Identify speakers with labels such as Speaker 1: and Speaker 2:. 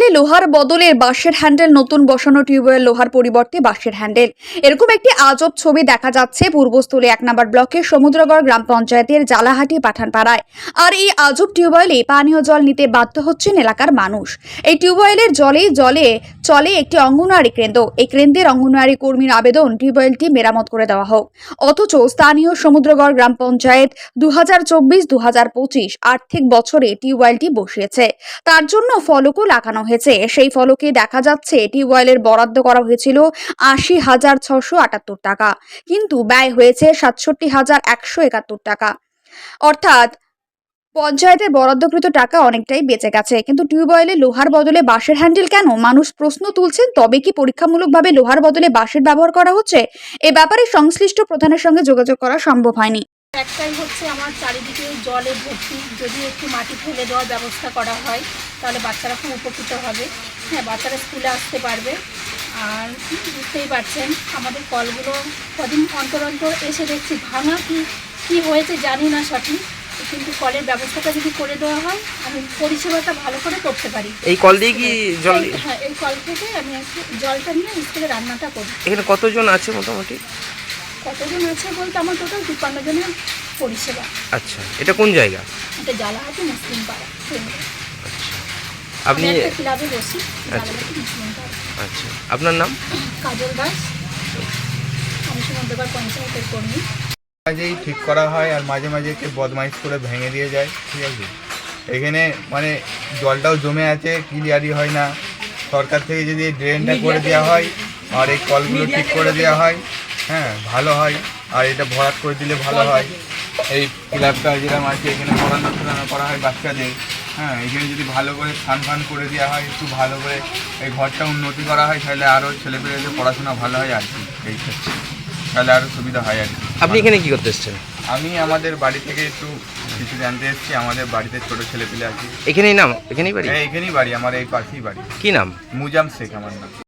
Speaker 1: টিউবওয়েলে লোহার বদলে বাঁশের হ্যান্ডেল, নতুন বসানো টিউবওয়েল লোহার পরিবর্তে বাঁশের হ্যান্ডেল। এরকম একটি আজব ছবি দেখা যাচ্ছে পূর্বস্থলী 1 নম্বর ব্লকের সমুদ্রগড় গ্রাম পঞ্চায়েতের জালাহাটি পাঠানপাড়ায়। আর এই আজব টিউবওয়েলে পানীয় জল নিতে বাধ্য হচ্ছেন এলাকার মানুষ। এই টিউবওয়েলের জলে চলে একটি অঙ্গনওয়াড়ি কেন্দ্র। এই কেন্দ্রের অঙ্গনওয়াড়ি কর্মীর আবেদন টিউবওয়েলটি মেরামত করে দেওয়া হোক, অথচ স্থানীয় সমুদ্রগড় গ্রাম পঞ্চায়েত 2024-2025 আর্থিক বছরে টিউবওয়েলটি বসিয়েছে। তার জন্য ফলকও লাগানো হয়েছে। সেই ফলকে দেখা যাচ্ছে টিউবওয়েলের বরাদ্দ করা হয়েছিল 80,678 টাকা, কিন্তু ব্যয় হয়েছে 67,171 টাকা। অর্থাৎ পঞ্চায়েতের বরাদ্দকৃত টাকা অনেকটাই বেঁচে গেছে, কিন্তু টিউবওয়েলে লোহার বদলে বাঁশের হ্যান্ডেল কেন? মানুষ প্রশ্ন তুলছেন। তবে কি পরীক্ষামূলকভাবে লোহার বদলে বাঁশের ব্যবহার করা হচ্ছে? এ ব্যাপারে সংশ্লিষ্ট প্রধানের সঙ্গে যোগাযোগ করা সম্ভব হয়নি।
Speaker 2: একটাই হচ্ছে আমার চারিদিকে জলে ভর্তি, যদি একটু মাটি ফেলে দেওয়ার ব্যবস্থা করা হয় তাহলে বাচ্চারা খুব উপকৃত হবে। হ্যাঁ, বাচ্চারা স্কুলে আসতে পারবে। আর বুঝতেই পারছেন আমাদের কলগুলো কদিন অন্তর অন্তর এসে দেখছি ভাঙা, কি হয়েছে জানি না সঠিক, কিন্তু কলের ব্যবস্থাটা যদি করে দেওয়া হয় আমি পরিষেবাটা ভালো করে করতে পারি।
Speaker 3: এই কল দিয়ে কি জল?
Speaker 2: হ্যাঁ, এই কল থেকে আমি একটু জলটা নিয়ে স্কুলে রান্নাটা করি।
Speaker 3: এখানে কতজন আছে মোটামুটি?
Speaker 2: কতজন আছে বলতে আমার টোটাল 52 জনের পরিষেবা।
Speaker 3: আচ্ছা, এটা কোন জায়গা?
Speaker 2: এটা জালাহাটি মুসলিম পাড়া কেন্দ্র।
Speaker 3: আচ্ছা,
Speaker 2: আমি
Speaker 3: আপনি
Speaker 2: একটা ক্লাবে বসি, জালাহাটি মুসলিম পাড়া।
Speaker 3: আচ্ছা, আপনার নাম?
Speaker 2: কাজল দাস, আমি সমুদ্রগড় পঞ্চায়েতের কর্মী।
Speaker 4: মাঝেই ঠিক করা হয় আর মাঝে মাঝে একটু বদমাইশ করে ভেঙে দিয়ে যায়, ঠিক আছে। এখানে মানে জলটাও জমে আছে, ক্লিয়ারই হয় না। সরকার থেকে যদি এই ড্রেনটা করে দেওয়া হয় আর এই কলগুলো ঠিক করে দেওয়া হয়, হ্যাঁ ভালো হয়। আর এটা ভরাট করে দিলে ভালো হয়। এই ক্লাবটা যেরকম আছে এখানে পড়ানো করা হয় বাচ্চাদের, হ্যাঁ এখানে যদি ভালো করে স্নান করে দেওয়া হয়, একটু ভালো করে এই ঘরটা উন্নতি করা হয়, তাহলে আরও ছেলেপেলেদের পড়াশোনা ভালো হয় আর কি। এই ক্ষেত্রে তাহলে আরও সুবিধা হয় আর কি।
Speaker 3: আপনি এখানে কি করতে এসেছেন?
Speaker 4: আমি আমাদের বাড়ি থেকে একটু কিছু জানতে এসেছি। আমাদের বাড়িতে ছোটো ছেলেপেলে আছে।
Speaker 3: এখানেই বাড়ি?
Speaker 4: হ্যাঁ, এখানেই বাড়ি, আমার এই পাশেই বাড়ি।
Speaker 3: কি নাম?
Speaker 4: মুজাম শেখ আমার নাম।